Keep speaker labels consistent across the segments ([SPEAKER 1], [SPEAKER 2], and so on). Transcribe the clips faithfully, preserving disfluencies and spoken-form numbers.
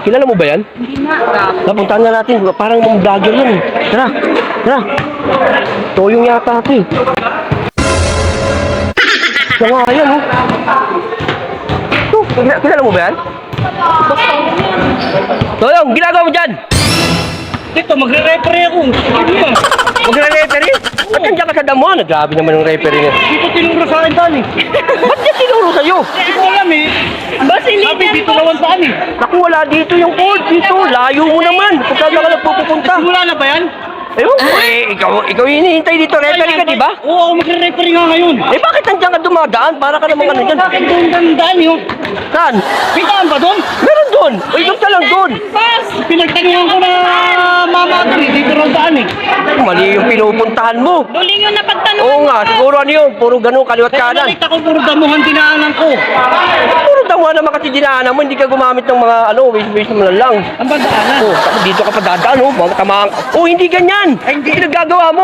[SPEAKER 1] Kilala mo ba yan?
[SPEAKER 2] Hindi na.
[SPEAKER 1] Napuntahan na natin. Parang mga vlogger yan eh. Tara, tara. Toyong yata ito eh. Siya nga yan oh. Ito, kilala, kilala mo ba yan? Toyong, ginagawa mo dyan?
[SPEAKER 3] Dito, magre-referee ako. Ano ba?
[SPEAKER 1] Magre-referee? Ba't nandiyan ka sa damuhan? Grabe naman yung referee niya.
[SPEAKER 3] Dito tinuro sa akin daan eh.
[SPEAKER 1] Ba't niya tinuro sa'yo?
[SPEAKER 3] Hindi ko alam eh. Sabi dito naman saan eh.
[SPEAKER 1] Naku, wala dito yung code. Dito, layo mo naman. Kung saan ka nagpupunta.
[SPEAKER 3] Wala na ba yan?
[SPEAKER 1] Ewan ko eh, ikaw, ikaw hinihintay dito. Referee ka, di ba?
[SPEAKER 3] Oo, ako magre-referee nga ngayon.
[SPEAKER 1] Eh bakit nandiyan ka dumadaan? Para ka namang ano dyan.
[SPEAKER 3] Sa akin doon dandaan yun.
[SPEAKER 1] Saan?
[SPEAKER 3] Pitaan ba doon?
[SPEAKER 1] Meron doon. Uy, doon ka lang doon.
[SPEAKER 2] Bas!
[SPEAKER 3] Pinagtanungan ko na mama ko eh. Dito raw daan eh.
[SPEAKER 1] Mali yung pinupuntahan mo.
[SPEAKER 2] Duling yung napagtanungan.
[SPEAKER 1] Oo nga, siguro ano yun. Puro ganun, kaliwat
[SPEAKER 3] Kaya
[SPEAKER 1] kanan.
[SPEAKER 3] nakita ko puro damuhan dinaanan ko.
[SPEAKER 1] Puro damuhan naman kasi dinaanan mo. Hindi ka gumamit ng mga ano, waste-waste mo lang.
[SPEAKER 3] Ang ba daanan?
[SPEAKER 1] Oh, tapos dito ka pa dadaan, oh. Mga tamaan. Oh, hindi ganyan. Ay, hindi nagagawa mo.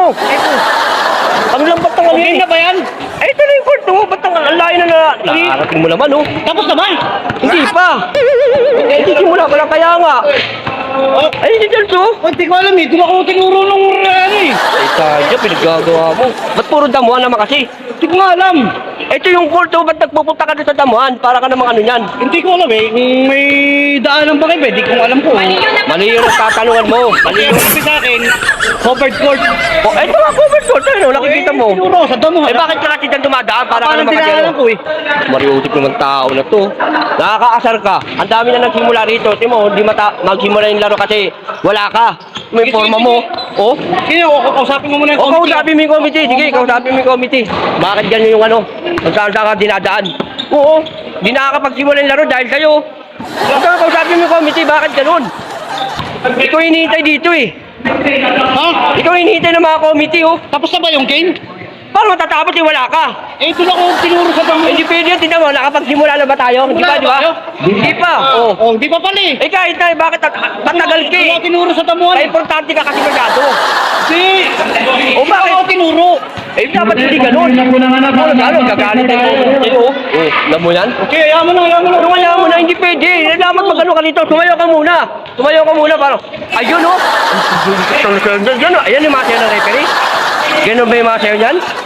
[SPEAKER 1] Ano lang ba't ang ano
[SPEAKER 3] Okay
[SPEAKER 1] yun?
[SPEAKER 3] na ba yan?
[SPEAKER 1] Ay, ito na yung court, oh. Ba't ang ang layo na na... Nakarating mo naman, oh.
[SPEAKER 3] Tapos naman.
[SPEAKER 1] Hindi pa. Eh, hindi simula pa lang kaya nga.
[SPEAKER 3] Oh,
[SPEAKER 1] Ay, hindi dyan, so.
[SPEAKER 3] oh, hindi ko alam eh. Doon ako tinuro nung ano eh.
[SPEAKER 1] Ay, tayo, pinaggagawa mo. Ba't puro damuhan naman kasi?
[SPEAKER 3] Hindi ko nga alam.
[SPEAKER 1] Ito yung court, oh. Ba't nagpupunta ka doon sa damuhan? Para ka namang ano yan.
[SPEAKER 3] Hindi ko alam eh. Kung may daanan ba kayo, hindi ko alam ko.
[SPEAKER 1] Mali yung nagtatanungan mo. Mali yung...
[SPEAKER 3] Sabi sa akin, covered court.
[SPEAKER 1] Oh, ito nga, covered court. Ayun, oh, nakikita mo.
[SPEAKER 3] Eh, tinuro sa damuhan.
[SPEAKER 1] Eh, bakit ka kasi dyan dumadaan? Para ka
[SPEAKER 3] Parang
[SPEAKER 1] naman kasi
[SPEAKER 3] dinaanan
[SPEAKER 1] ano?
[SPEAKER 3] ko eh.
[SPEAKER 1] Mariutik naman tao na to. Nakakaasar ka. Ang dami na nagsimula rito. Timo, hindi mata magsimula yung laro kasi wala ka. May forma mo. Oh.
[SPEAKER 3] Sino? Kausapin mo muna yung
[SPEAKER 1] O,
[SPEAKER 3] committee.
[SPEAKER 1] kausapin mo yung committee. Sige, kausapin mo yung committee. Bakit ganyan yung ano? Kung saan saan ka dinadaan? Oo. Di nakakapagsimula yung laro dahil sa'yo. Kung saan kausapin mo yung committee, bakit ganun? Ikaw hinihintay dito eh.
[SPEAKER 3] Ha?
[SPEAKER 1] Ikaw hinihintay ng mga committee oh.
[SPEAKER 3] Tapos na ba yung game?
[SPEAKER 1] Paano matatapos eh, wala ka?
[SPEAKER 3] Eh, ito na ako tinuro sa
[SPEAKER 1] Eh,
[SPEAKER 3] damuhan.
[SPEAKER 1] Hindi pwede yun, tingnan mo, nakapagsimula na ba tayo? Hindi pa, di ba? Hindi pa, oo.
[SPEAKER 3] Oh, di pa pala eh.
[SPEAKER 1] Eh kahit na, bakit matagal ka
[SPEAKER 3] Ito
[SPEAKER 1] eh?
[SPEAKER 3] ako tinuro sa damuhan.
[SPEAKER 1] Ay, importante ka kasi masyado.
[SPEAKER 3] Si!
[SPEAKER 1] O
[SPEAKER 3] Ito
[SPEAKER 1] bakit?
[SPEAKER 3] ako tinuro.
[SPEAKER 1] Eh, dapat hindi ganun. Ano, gano'n, gagalit tayo sa'yo. Oh, alam mo yan?
[SPEAKER 3] Okay, ayaw mo na, ayaw mo na.
[SPEAKER 1] Pero kaya mo na, hindi pwede. Eh, dapat magano ka dito. Tumayo ka muna. Tumayo ka muna, parang, ayun oh. Gano'n, ayan yung mga sayo ng referee. Ganun ba yung mga sayo niyan?